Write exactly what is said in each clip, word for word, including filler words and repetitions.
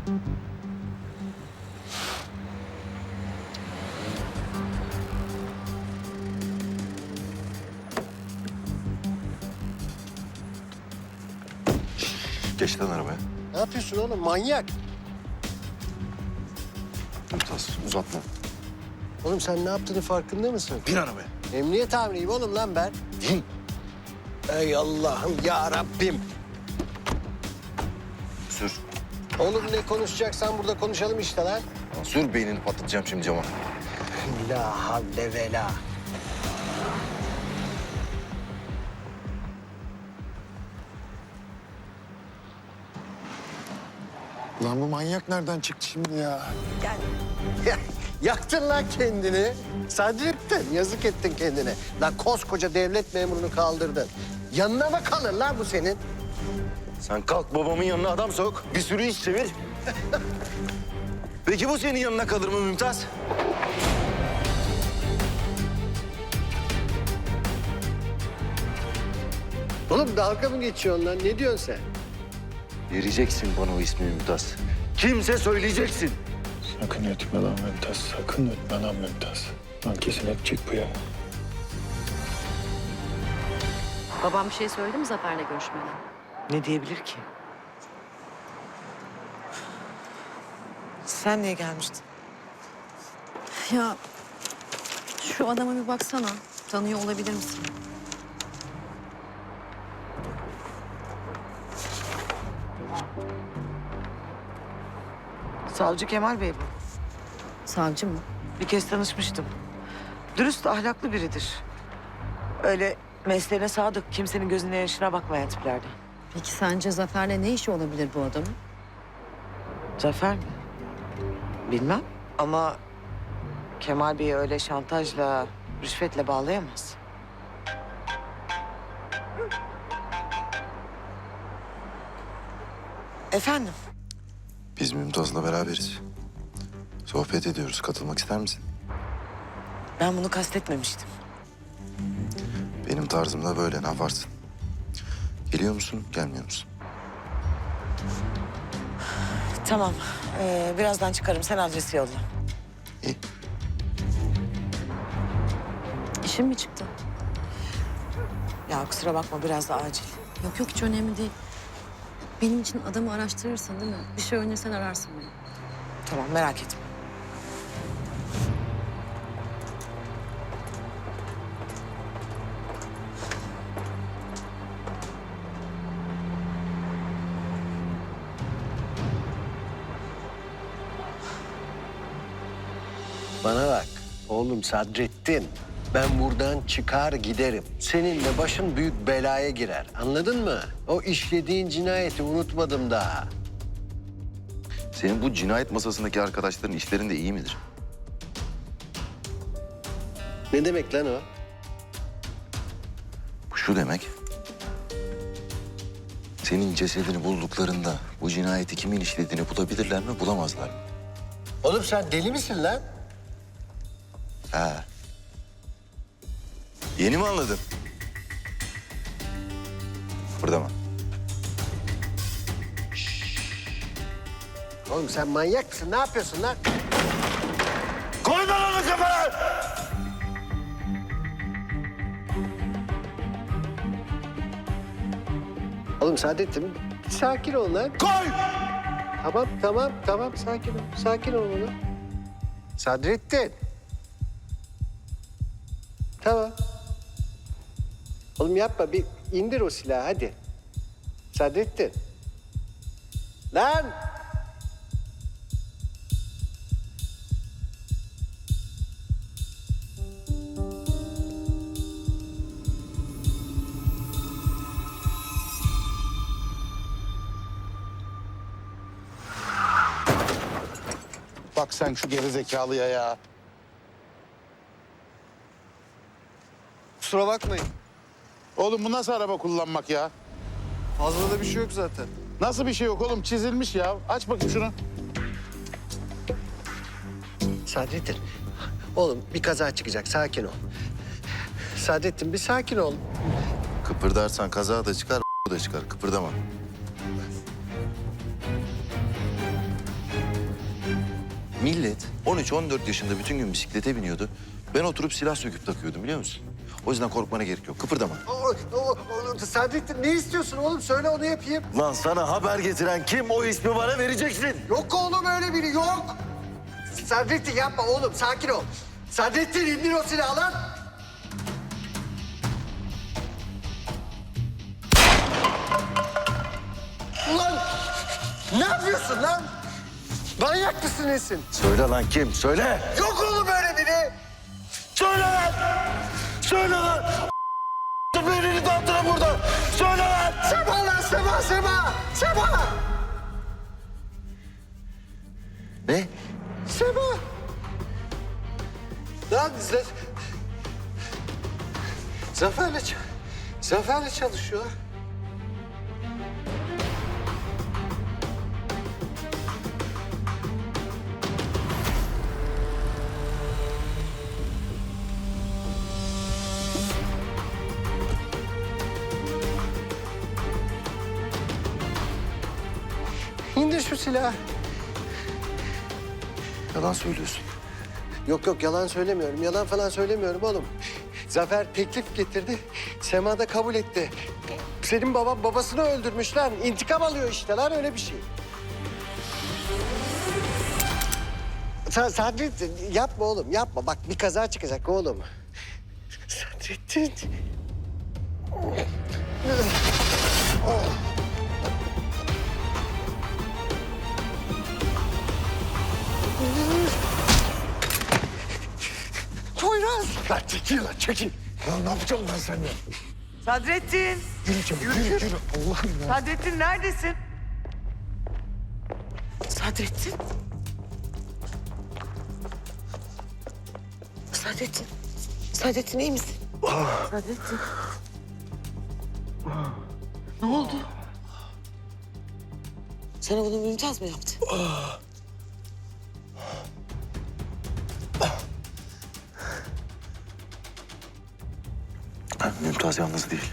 Geç lan arabaya. Ne yapıyorsun oğlum? Manyak. Mümtaz uzatma. Oğlum sen ne yaptığını farkında mısın? Bin arabaya. Emniyet amiriyim oğlum lan ben. Bin. Ey Allah'ım ya Rabbim. Sür. Oğlum ne konuşacaksan burada konuşalım işte lan. Lan sür beynini patlatacağım şimdi cama. La havle ve la. Lan bu manyak nereden çıktı şimdi ya? Ya, yaktın lan kendini. Sadrettin, yazık ettin kendine. Lan koskoca devlet memurunu kaldırdın. Yanına mı kalır lan bu senin? Sen kalk babamın yanına adam sok. Bir sürü iş çevir. Peki bu senin yanına kalır mı Mümtaz? Oğlum dalga mı geçiyorsun lan? Ne diyorsun sen? Vereceksin bana o ismi Mümtaz. Kimse söyleyeceksin. Sakın etme lan Mümtaz, sakın etme lan Mümtaz. Lan kesin edecek bu ya. Babam bir şey söyledi mi Zafer'le görüşmeden? Ne diyebilir ki? Sen niye gelmiştin? Ya şu adama bir baksana. Tanıyor olabilir misin? Savcı Kemal Bey bu. Savcı mı? Bir kez tanışmıştım. Dürüst, ahlaklı biridir. Öyle mesleğine sadık, kimsenin gözüne yaşına bakmayan tiplerden. Peki sence Zafer'le ne işi olabilir bu adamın? Zafer mi? Bilmem ama Kemal Bey'i öyle şantajla, rüşvetle bağlayamaz. Efendim? Biz Mümtaz'la beraberiz. Sohbet ediyoruz. Katılmak ister misin? Ben bunu kastetmemiştim. Benim tarzım da böyle. Ne yaparsın? Geliyor musun, gelmiyor musun? Tamam, ee, birazdan çıkarım. Sen adresi yolla. İyi. İşin mi çıktı? Ya kusura bakma, biraz da acil. Yok yok hiç önemli değil. Benim için adamı araştırırsın değil mi? Bir şey öğrenirsen ararsın beni. Tamam, merak etme. Bana bak oğlum Sadrettin. Ben buradan çıkar giderim. Seninle başın büyük belaya girer. Anladın mı? O işlediğin cinayeti unutmadım daha. Senin bu cinayet masasındaki arkadaşların işlerinde iyi midir? Ne demek lan o? Bu şu demek. Senin cesedini bulduklarında bu cinayeti kimin işlediğini bulabilirler mi, bulamazlar mı? Oğlum sen deli misin lan? Ha. Yeni mi anladın? Burada mı? Oğlum sen manyak mısın? Ne yapıyorsun lan? Koy lan onu kafana! Oğlum Saadettin bir sakin ol lan. Koy! Tamam tamam tamam sakin ol. Sakin ol oğlum. Sadrettin. Tamam. Oğlum yapma bir indir o silahı hadi. Sadrettin. Lan! Bak sen şu gerizekalıya ya. Kusura bakmayın. Oğlum bu nasıl araba kullanmak ya? Fazla da bir şey yok zaten. Nasıl bir şey yok oğlum? Çizilmiş ya. Aç bakayım şunu. Sadrettin. Oğlum bir kaza çıkacak sakin ol. Sadrettin bir sakin ol. Kıpırdarsan kaza da çıkar, da çıkar. Kıpırdama. Millet on üç on dört yaşında bütün gün bisiklete biniyordu. Ben oturup silah söküp takıyordum biliyor musun? O yüzden korkmana gerek yok. Kıpırdama. O, o, o, Sadrettin ne istiyorsun oğlum? Söyle onu yapayım. Lan sana haber getiren kim? O ismi bana vereceksin. Yok oğlum öyle biri yok. Sadrettin yapma oğlum sakin ol. Sadrettin indir o silahı lan. Ulan ne yapıyorsun lan? Manyak mısın nesin? Söyle lan kim? Söyle. Yok oğlum öyle biri. Söyle lan. Söyle lan. Birini dağıtırım burada. Söyle lan. Sema lan Sema Sema. Sema. Ne? Sema. Lan Z- Zafer'le ç- Zafer'le çalışıyorlar. İndir şu silahı. Yalan söylüyorsun. Yok yok yalan söylemiyorum. Yalan falan söylemiyorum oğlum. Zafer teklif getirdi. Sema da kabul etti. Senin baban babasını öldürmüş lan. İntikam alıyor işte lan öyle bir şey. Sa Sadrettin yapma oğlum yapma. Bak bir kaza çıkacak oğlum. Sadrettin. Poyraz. Lan çekil lan çekil. Lan ne yapacağım ben seninle? Sadrettin. Yürü çabuk yürü yürü. Allah'ım ya. Sadrettin neredesin? Sadrettin. Sadrettin. Sadrettin iyi misin? Sadrettin. Ne oldu? Sana bunu Mümtaz mı yaptı? Mümtaz yalnız değil.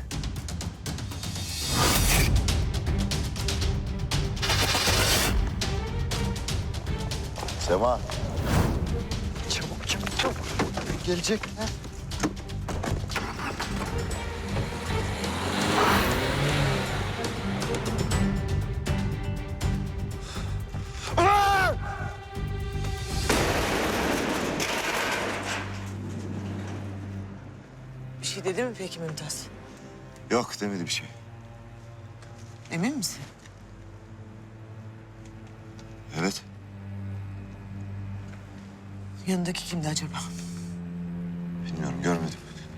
Sema. Çabuk çabuk çabuk. Gelecek. Ha? Bir şey dedi mi peki Mümtaz? Yok demedi bir şey. Emin misin? Evet. Yanındaki kimdi acaba? Bilmiyorum görmedim.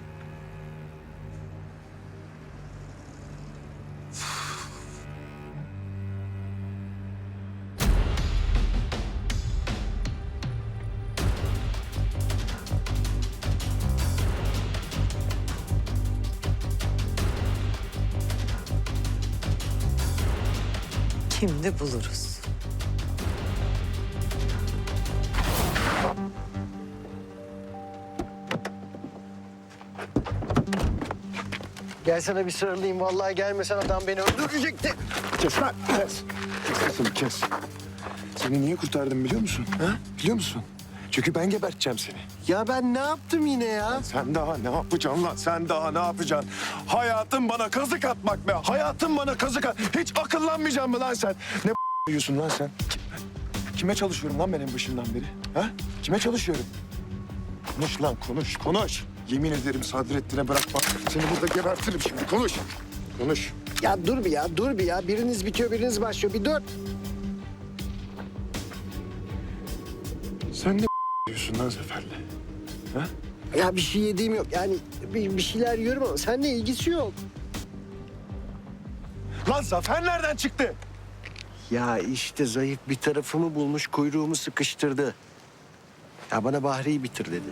Kimdi buluruz. Gel sana bir sarılayım. Vallahi gelmesen adam beni öldürecekti. Kes lan kes. Kes sesini kes. Seni niye kurtardım biliyor musun? Ha? Biliyor musun? Çünkü ben geberteceğim seni. Ya ben ne yaptım yine ya? Sen daha ne yapacaksın lan? Sen daha ne yapacaksın? Hayatın bana kazık atmak be. Hayatın bana kazık at. Hiç akıllanmayacaksın mı lan sen? Ne diyorsun lan sen? Kim- Kime çalışıyorum lan ben en başından beri? Ha? Kime çalışıyorum? Konuş lan konuş konuş. Yemin ederim Sadrettin'e bırakma. Seni burada gebertirim şimdi. Konuş. Konuş. Ya dur bir ya, dur bir ya. Biriniz bitiyor, biriniz başlıyor. Bir dur. Sen ne diyorsun lan Zafer'le? Ha? Ya bir şey yediğim yok. Yani bir, bir şeyler yiyorum ama seninle ilgisi yok. Lan Zafer nereden çıktı? Ya işte zayıf bir tarafımı bulmuş, kuyruğumu sıkıştırdı. Ya bana Bahri'yi bitir dedi.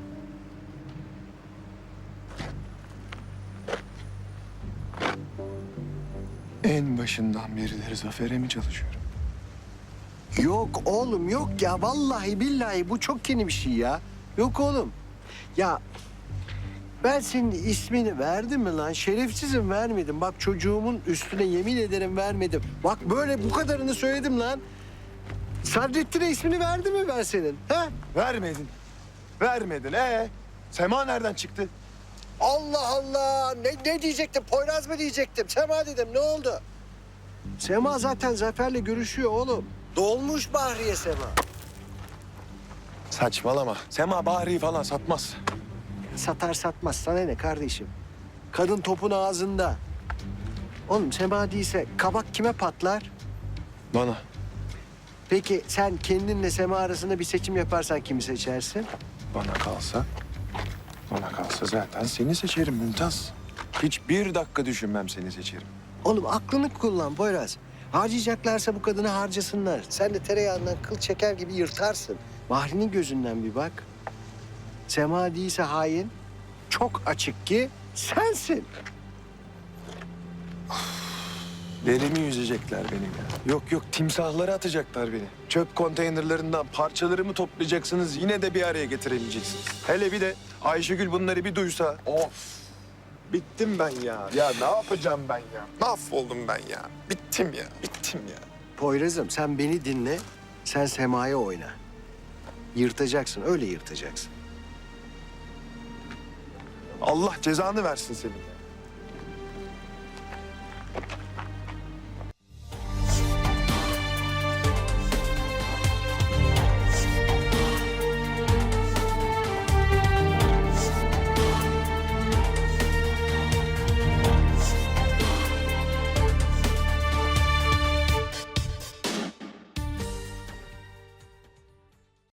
En başından berileri Zafer'e mi çalışıyorum? Yok oğlum yok ya. Vallahi billahi bu çok yeni bir şey ya. Yok oğlum. Ya ben senin ismini verdim mi lan? Şerefsizim vermedim. Bak çocuğumun üstüne yemin ederim vermedim. Bak böyle bu kadarını söyledim lan. Sadrettin'e ismini verdi mi ben senin? He? Vermedin. Vermedin. Ee, Sema nereden çıktı? Allah Allah! Ne, ne diyecektim? Poyraz mı diyecektim? Sema dedim. Ne oldu? Sema zaten Zafer'le görüşüyor oğlum. Dolmuş Bahriye Sema. Saçmalama. Sema Bahri'yi falan satmaz. Satar satmaz. Sana ne kardeşim? Kadın topun ağzında. Oğlum Sema değilse kabak kime patlar? Bana. Peki sen kendinle Sema arasında bir seçim yaparsan kimi seçersin? Bana kalsa, bana kalsa zaten seni seçerim Mümtaz. Hiçbir dakika düşünmem seni seçerim. Oğlum aklını kullan Poyraz. Harcayacaklarsa bu kadını harcasınlar. Sen de tereyağından kıl çeker gibi yırtarsın. Bahri'nin gözünden bir bak. Sema değilse hain, çok açık ki sensin. Derimi yüzecekler benim ya. Yok yok timsahlara atacaklar beni. Çöp konteynerlerinden parçalarımı toplayacaksınız. Yine de bir araya getiremeyeceksiniz. Hele bir de Ayşegül bunları bir duysa. Of. Bittim ben ya. Ya ne yapacağım ben ya? Mahvoldum ben ya. Bittim ya. Bittim ya. Poyraz'ım sen beni dinle, sen Sema'ya oyna. Yırtacaksın, öyle yırtacaksın. Allah cezanı versin senin.